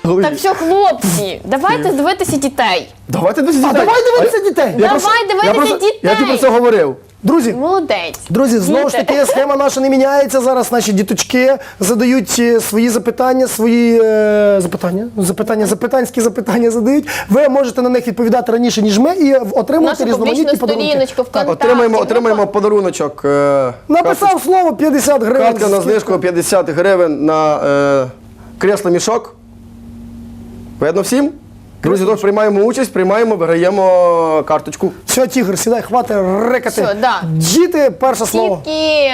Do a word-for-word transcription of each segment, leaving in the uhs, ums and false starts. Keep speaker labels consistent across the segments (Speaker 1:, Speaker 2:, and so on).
Speaker 1: Так що, хлопці, давайте дивитися дітей.
Speaker 2: Давайте дивитися
Speaker 3: А
Speaker 2: дітей.
Speaker 3: давай дивитися дітей.
Speaker 2: Я просто-
Speaker 1: Давай дивитися
Speaker 2: я просто-
Speaker 1: дітей.
Speaker 2: Я тобі про це говорив.
Speaker 3: Друзі,
Speaker 1: Молодець.
Speaker 3: Друзі, знову ж
Speaker 1: Діти.
Speaker 3: таки, схема наша не міняється. Зараз наші діточки задають е, свої запитання, свої е, запитання, запитання, запитанські запитання задають. Ви можете на них відповідати раніше, ніж ми, і отримувати
Speaker 1: Нашу
Speaker 3: різноманітні
Speaker 1: публічну
Speaker 3: подарунки.
Speaker 1: сторіночку ВКонтакті.
Speaker 2: Отримаємо,
Speaker 1: ну,
Speaker 2: отримаємо подаруночок. е,
Speaker 3: Написав слово п'ятдесят гривень.
Speaker 2: Картка на знижку п'ятдесят гривень на е, кресло-мішок. Видно всім? Друзі, тож приймаємо участь, приймаємо, виграємо карточку.
Speaker 3: Все, тігр, сідай, хватить рекати.
Speaker 1: Все, да.
Speaker 3: Діти, перше слово.
Speaker 1: Тільки.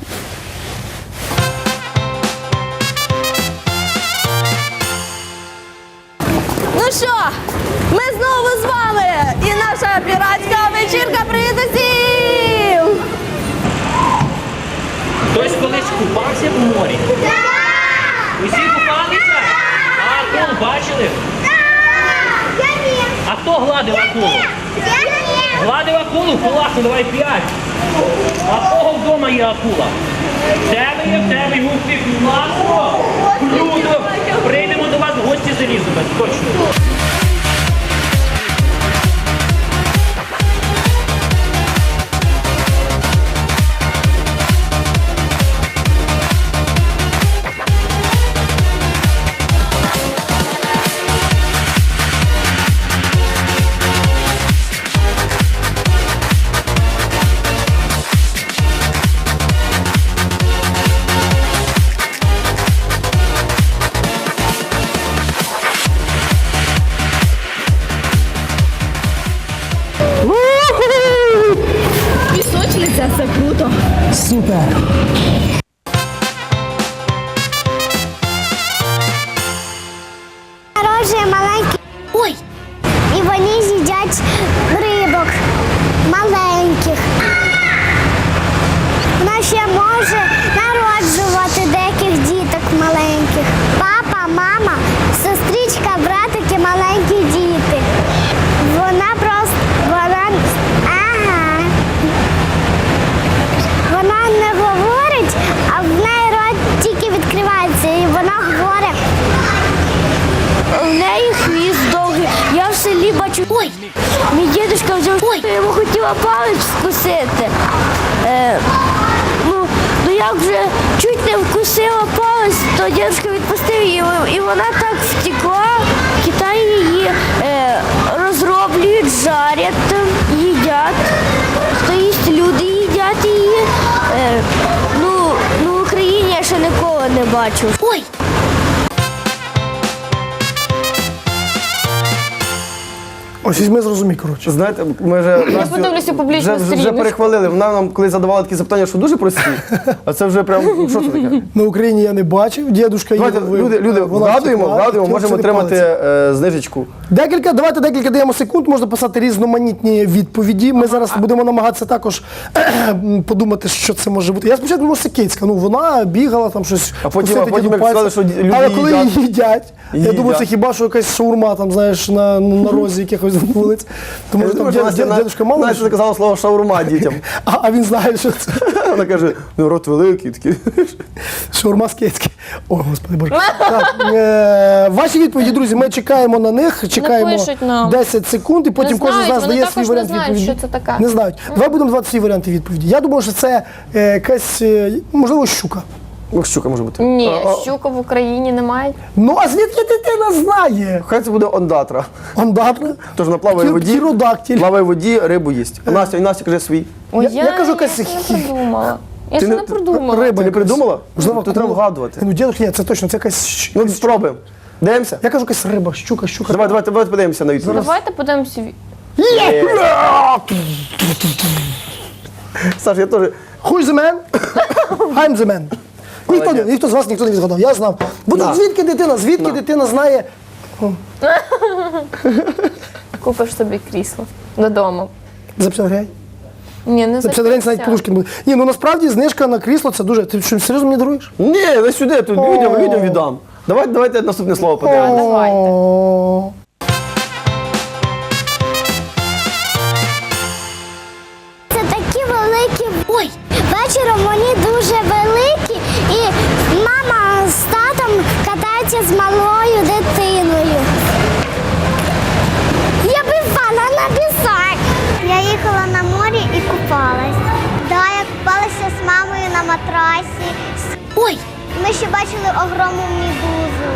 Speaker 4: Ну що, ми знову з вами і наша піратська вечірка привіт усім!
Speaker 5: Хтось колись купався в морі? Так! Усі купалися? А акул бачили?
Speaker 6: Я ні.
Speaker 5: А хто гладив акулу?
Speaker 6: Я ні.
Speaker 5: Гладив акулу? Класно, давай п'ять. А в кого вдома є акула? В тебе є, в тебе є, успіх, класно! Круто! Прийдемо до вас в гості з Елізабет, точно.
Speaker 4: Пісочниця, це круто.
Speaker 3: Супер.
Speaker 6: Народжує маленький. Ой! І вони з'їдять рибок маленьких. Вона ще може народжувати деяких діток маленьких. Папа, мама, сестричка, братики, маленькі діти. Вона просто. Вона. Ага. Вона не говорить, а в неї рот тільки відкривається, і вона говорить.
Speaker 4: У неї хвіст довгий. Я в селі бачу. Ой! Мій дідусь взяв. Ой! Я йому хотіла палець вкусити. Е, ну, ну як вже чуть не вкусила палець, то дідусь відпустив її, і вона так втекла. В Китаї її е, розроблюють, жарять, там, їдять. Тобто люди їдять її. Е, ну, ну, в Україні я ще ніколи не бачив. Ой!
Speaker 3: Ось візьми, зрозумій, коротше.
Speaker 2: Знаєте, ми вже Настю
Speaker 1: подивлюся публічну
Speaker 2: вже, вже, вже
Speaker 1: сторіночку.
Speaker 2: перехвалили. Вона нам коли задавала такі запитання, що дуже прості, а це вже прям, ну, що це таке?
Speaker 3: На Україні я не бачив, дідушка
Speaker 2: Давайте,
Speaker 3: їв,
Speaker 2: люди, люди,
Speaker 3: вона
Speaker 2: вгадуємо,
Speaker 3: втекла,
Speaker 2: вгадуємо,
Speaker 3: хотіла
Speaker 2: можемо
Speaker 3: вкусити
Speaker 2: отримати
Speaker 3: палець.
Speaker 2: е, знижечку.
Speaker 3: Декілька, давайте декілька даємо секунд, можна писати різноманітні відповіді. Ми зараз будемо намагатися також подумати, що це може бути. Я спочатку думав, Сикицька, ну вона бігала там щось.
Speaker 2: А потім-
Speaker 3: вкусити
Speaker 2: а потім
Speaker 3: діду
Speaker 2: як
Speaker 3: пальця.
Speaker 2: сказали, що люди
Speaker 3: Але коли
Speaker 2: їдять.
Speaker 3: її їдять, я
Speaker 2: Їдять.
Speaker 3: думаю, це хіба що якась шаурма там, знаєш, на, на розі якихось вулиць. Тому що там дід- дід- дідушка мало.
Speaker 2: Настя заказала слово шаурма дітям.
Speaker 3: А, а він знає, що це
Speaker 2: Вона каже, ну рот великий, такий.
Speaker 3: шаурма з Кицьки. О, господи боже. Так, е, ваші відповіді, друзі, ми чекаємо на них, чекаємо
Speaker 1: пишуть нам.
Speaker 3: десять секунд, і потім
Speaker 1: Не
Speaker 3: кожен з
Speaker 1: знають,
Speaker 3: нас
Speaker 1: вони
Speaker 3: дає
Speaker 1: також
Speaker 3: свій
Speaker 1: не
Speaker 3: варіант
Speaker 1: знають,
Speaker 3: відповіді.
Speaker 1: що це таке.
Speaker 3: Не знають. Давай будемо давати свої варіанти відповіді. Я думаю, що це е, якась, е, можливо, щука.
Speaker 2: Ну, щука може бути.
Speaker 1: Ні,
Speaker 2: А, а,
Speaker 1: щука в Україні немає.
Speaker 3: Ну, а звідки дитина знає?
Speaker 2: Хай це буде ондатра.
Speaker 3: Ондатра.
Speaker 2: Тож вона плаває в воді,
Speaker 3: Птеродактиль.
Speaker 2: плаває в воді, рибу їсть. А Настя, Настя каже свій.
Speaker 1: Ой,
Speaker 3: Я- я кажу, якась
Speaker 1: я ще
Speaker 3: хі-
Speaker 1: не придумала. Я
Speaker 2: Ти
Speaker 1: ще
Speaker 2: не-
Speaker 1: не придумала.
Speaker 3: Риба
Speaker 2: Ти не
Speaker 3: якась.
Speaker 2: придумала?
Speaker 3: Можливо,
Speaker 2: Тут треба вгадувати.
Speaker 3: Ну, дідусь, ні, це точно, це якась...
Speaker 2: Ну, спробуємо. Дивимося?
Speaker 3: Я кажу, якась риба, щука, щука.
Speaker 2: Давай, давайте, давайте подивимося на відповідь.
Speaker 1: Давайте подивимося. ві-
Speaker 2: Є! Саш, я теж.
Speaker 3: Who is the man? I'm the man. Ніхто, не- ніхто з вас ніхто не відгадав, я знав. Бо
Speaker 2: На.
Speaker 3: звідки дитина, звідки
Speaker 2: На.
Speaker 3: дитина знає?
Speaker 1: Купиш собі крісло додому.
Speaker 3: За п'ятдесят гривень?
Speaker 1: Ні, не
Speaker 3: За
Speaker 1: за
Speaker 3: п'ятдесят гривень це навіть подушки не буде. Ні, ну насправді знижка на крісло це дуже. Ти що, серйозно мені даруєш?
Speaker 2: Ні, не сюди, тут людям, людям віддам. Давайте, давайте наступне слово подивимося.
Speaker 1: Давайте.
Speaker 3: О,
Speaker 6: Це такі великі. Ой, вечором вони дуже великі, і мама з татом катаються з малою дитиною. матрасі.
Speaker 4: Ой!
Speaker 6: Ми ще бачили огромну медузу.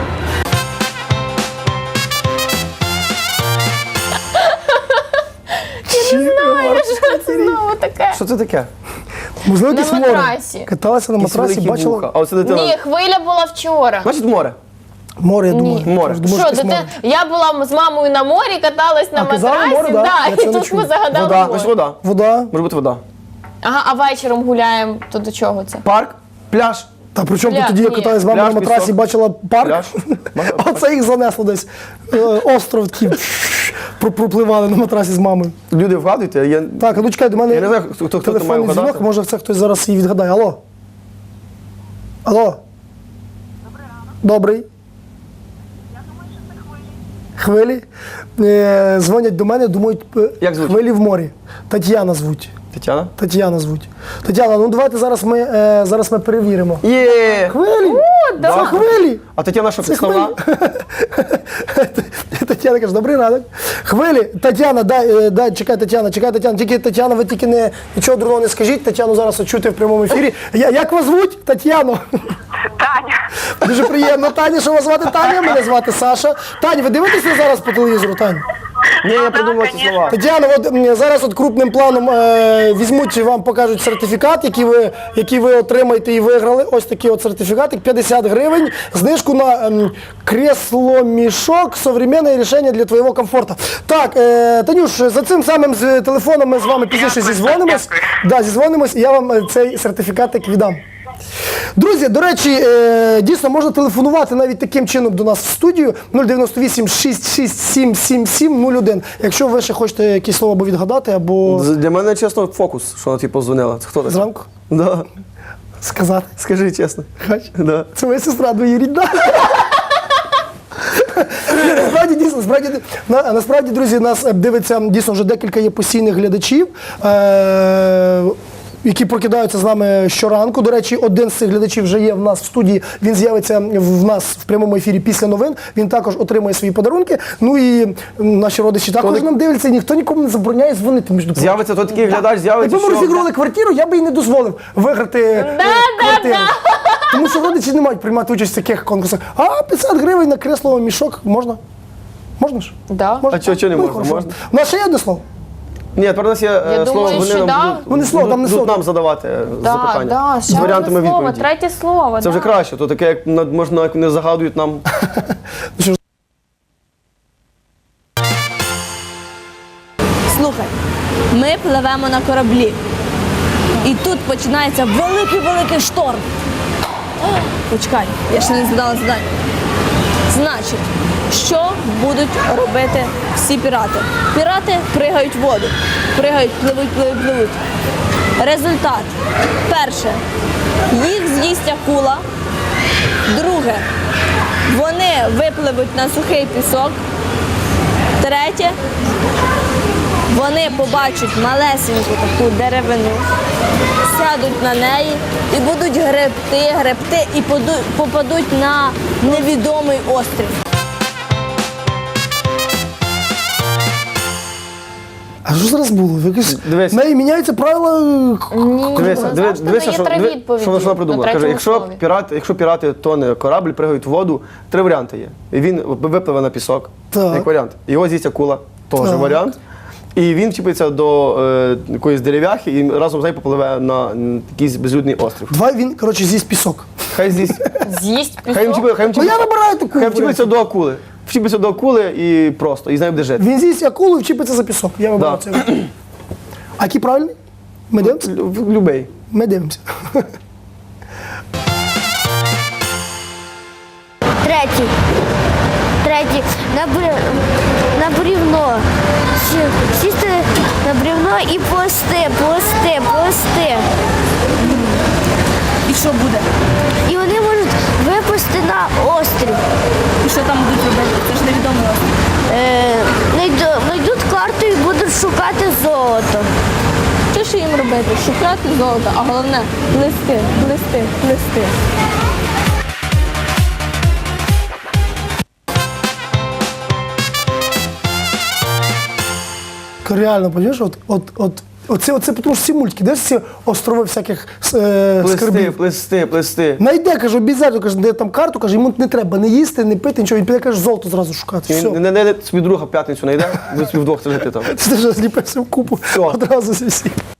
Speaker 1: Я не знаю, що це знову таке.
Speaker 2: Що це таке?
Speaker 3: Можливо,
Speaker 1: На
Speaker 3: якесь море.
Speaker 1: матрасі.
Speaker 3: Каталася на
Speaker 2: Якісь
Speaker 3: матрасі,
Speaker 2: великі
Speaker 3: бачила
Speaker 2: вуха. А оце дитина.
Speaker 1: Ні, хвиля була вчора.
Speaker 2: Значить море.
Speaker 3: море, я думаю.
Speaker 1: Ні.
Speaker 2: Море.
Speaker 3: Думаю,
Speaker 1: Що,
Speaker 3: якесь
Speaker 1: дити...
Speaker 3: море.
Speaker 1: я була з мамою на морі, каталась на
Speaker 3: А, казали
Speaker 1: матрасі,
Speaker 3: море, да?
Speaker 1: да,
Speaker 3: Я
Speaker 1: і
Speaker 3: це не
Speaker 1: тут
Speaker 3: чув.
Speaker 1: ми загадали
Speaker 2: Вода.
Speaker 1: море.
Speaker 2: Значить вода.
Speaker 3: Вода.
Speaker 2: Може бути вода.
Speaker 1: Ага, а вечором гуляємо, то до чого це?
Speaker 2: Парк, пляж.
Speaker 3: Та при чому
Speaker 1: Пляж,
Speaker 3: ти тоді, я
Speaker 1: ні.
Speaker 3: каталась з вами
Speaker 2: Пляж,
Speaker 3: на матрасі,
Speaker 2: пісок.
Speaker 3: бачила парк?
Speaker 2: Пляж.
Speaker 3: Оце їх занесло десь. Е, Остров такий. про- Пропливали на матрасі з мамою.
Speaker 2: Люди вгадуйте, я...
Speaker 3: Так, а ну чекай, до мене
Speaker 2: Я не знаю, хто- хто це має
Speaker 3: телефонний
Speaker 2: вгадати.
Speaker 3: дзвінок, може це хтось зараз її відгадає. Алло? Алло? Добрий. Хвилі. Е, дзвонять до мене, думають, е,
Speaker 2: Як звуть?
Speaker 3: хвилі в морі. Тетяна звуть.
Speaker 2: Тетяна?
Speaker 3: Тетяна звуть. Тетяна, ну давайте зараз ми, е, зараз ми перевіримо.
Speaker 2: Є!
Speaker 3: Хвилі!
Speaker 1: да.
Speaker 3: Це хвилі!
Speaker 2: А Тетяна що,
Speaker 3: Це
Speaker 2: підставна?
Speaker 3: Тетяна каже, добрий ранок. Хвилі, Тетяна, дай, е, дай, чекай, Тетяна, чекай, Тетяна. Тільки Тетяна, ви тільки не, нічого дурного не скажіть. Тетяну зараз чути в прямому ефірі. Я, як вас звуть? Тетяно?
Speaker 7: Таня.
Speaker 3: Дуже приємно. Таня, що вас звати Таня? Мене звати Саша. Таня, ви дивитеся зараз по телевізору, Тань?
Speaker 2: Ні, я придумав ці слова.
Speaker 3: Тетяна, от м, зараз от крупним планом е, візьмуть і вам покажуть сертифікат, який ви, який ви отримаєте і виграли. Ось такий от сертифікатик, п'ятдесят гривень, знижку на ем, кресло-мішок, современне рішення для твоєго комфорту. Так, е, Танюш, за цим самим з телефоном ми з вами пізніше
Speaker 7: Дякую,
Speaker 3: зізвонимось.
Speaker 7: дякую.
Speaker 3: Да, зізвонимось, і я вам е, цей сертифікатик віддам. Друзі, до речі, е, дійсно можна телефонувати навіть таким чином до нас в студію нуль дев'яносто вісім шість шість сім сім сім нуль один. Якщо ви ще хочете якісь слово або відгадати, або
Speaker 2: З- Для мене, чесно, фокус, що вона тобі позвонила. Це хто така?
Speaker 3: зранку
Speaker 2: Да.
Speaker 3: сказати.
Speaker 2: Скажи чесно.
Speaker 3: Хоч?
Speaker 2: Да.
Speaker 3: Це моя сестра двоюрідна. Ні, Насправді, дійсно, насправді, на, насправді, друзі, нас е, дивиться дійсно вже декілька є постійних глядачів, е, які прокидаються з нами щоранку. До речі, один з цих глядачів вже є в нас в студії, він з'явиться в нас в прямому ефірі після новин, він також отримує свої подарунки. Ну і м, наші родичі також
Speaker 2: Коли-
Speaker 3: нам дивляться, і ніхто нікому не забороняє дзвонити, між прочим.
Speaker 2: З'явиться той такий глядач, з'явиться,
Speaker 3: Якби ми
Speaker 2: що...
Speaker 3: розігрували квартиру, я би їй не дозволив виграти е, квартиру. Тому що родичі не мають приймати участь в таких конкурсах. А п'ятдесят гривень на кресло мішок можна? Можна ж?
Speaker 1: Да.
Speaker 3: Можна?
Speaker 2: А чого- чого не
Speaker 3: Ну,
Speaker 2: можна?
Speaker 3: хорошо.
Speaker 2: Можна.
Speaker 3: У нас ще є одне слово?
Speaker 2: Ні, тепер у нас є е,
Speaker 1: Я
Speaker 2: слово,
Speaker 1: думаю,
Speaker 2: вони
Speaker 1: що
Speaker 2: нам
Speaker 1: да.
Speaker 2: будуть,
Speaker 3: Ну, не слово, там не
Speaker 2: будуть
Speaker 3: слово.
Speaker 2: нам задавати е,
Speaker 1: Да,
Speaker 2: запитання
Speaker 1: да,
Speaker 2: з
Speaker 1: ще
Speaker 2: варіантами
Speaker 1: одне слово,
Speaker 2: відповіді.
Speaker 1: третє слово.
Speaker 2: Це вже
Speaker 1: да.
Speaker 2: краще, то таке, як на- можна, як не загадують нам.
Speaker 8: Слухай, ми пливемо на кораблі. І тут починається великий-великий шторм. О, почекай, я ще не задала завдання. Значить, що будуть робити всі пірати? Пірати пригають в воду. Пригають, пливуть, пливуть, пливуть. Результат. Перше, їх з'їсть акула. Друге, вони випливуть на сухий пісок. Третє, вони побачать малесеньку таку деревину, сядуть на неї і будуть гребти, гребти і поду- попадуть на невідомий острів.
Speaker 3: А що зараз було? Якось
Speaker 2: Дивись.
Speaker 3: в неї міняються правила.
Speaker 1: Ні,
Speaker 2: Дивися,
Speaker 1: ну,
Speaker 2: диви-
Speaker 1: завжди
Speaker 2: дивися,
Speaker 1: є
Speaker 2: що,
Speaker 1: три
Speaker 2: диви-
Speaker 1: відповіді
Speaker 2: що вона
Speaker 1: на
Speaker 2: придумала. Каже,
Speaker 1: третьому
Speaker 2: якщо
Speaker 1: слові.
Speaker 2: пірати, якщо пірати тоне корабль, пригають в воду, три варіанти є. І він випливе на пісок,
Speaker 3: Так.
Speaker 2: як варіант. Його з'їсть акула, теж
Speaker 3: Так.
Speaker 2: варіант. І він чіпиться до е, якоїсь дерев'яхи і разом з нею попливе на м, якийсь безлюдний острів.
Speaker 3: Давай він, коротше, з'їсть пісок.
Speaker 2: Хай з'їсть.
Speaker 1: З'їсть
Speaker 2: Хай він
Speaker 1: пісок.
Speaker 2: чіпиться, хай він
Speaker 3: Ну я
Speaker 2: чіпиться,
Speaker 3: набираю таку.
Speaker 2: хай вчіпиться до акули. Вчіпиться до акули і просто, і з нею буде жити.
Speaker 3: Він з'їсть акулу і вчіпиться за пісок. Я вибрав
Speaker 2: Да.
Speaker 3: це. А який правильний? Ми дивимося?
Speaker 2: Лю- Любий.
Speaker 3: Ми дивимося.
Speaker 4: Третій. Третій. На, бр... на брівно. Сі- Сісти на брівно і плести, плести, плести.
Speaker 8: І що буде?
Speaker 4: І вони можуть випусти на острів.
Speaker 8: І що там будуть робити? Це ж невідомий острів.
Speaker 4: Е, найду- Найдуть карту і будуть шукати золото.
Speaker 8: Що ж їм робити? Шукати золото, а головне плести, плести, плести.
Speaker 3: Реально, розумієш, от, от, от Оце, оце, тому що всі мультики, де всі острови всяких е,
Speaker 2: Плести,
Speaker 3: скарбів.
Speaker 2: плести, плести.
Speaker 3: Найде, каже, обов'язково, каже, де там карту, каже, йому не треба не їсти, не пити, нічого. Він піде, каже, золото зразу шукати. Все.
Speaker 2: Він не не собі друга в п'ятницю не йде, ви собі вдвох сидите там.
Speaker 3: Ти вже зліпився в купу
Speaker 2: Все.
Speaker 3: одразу зі всіх.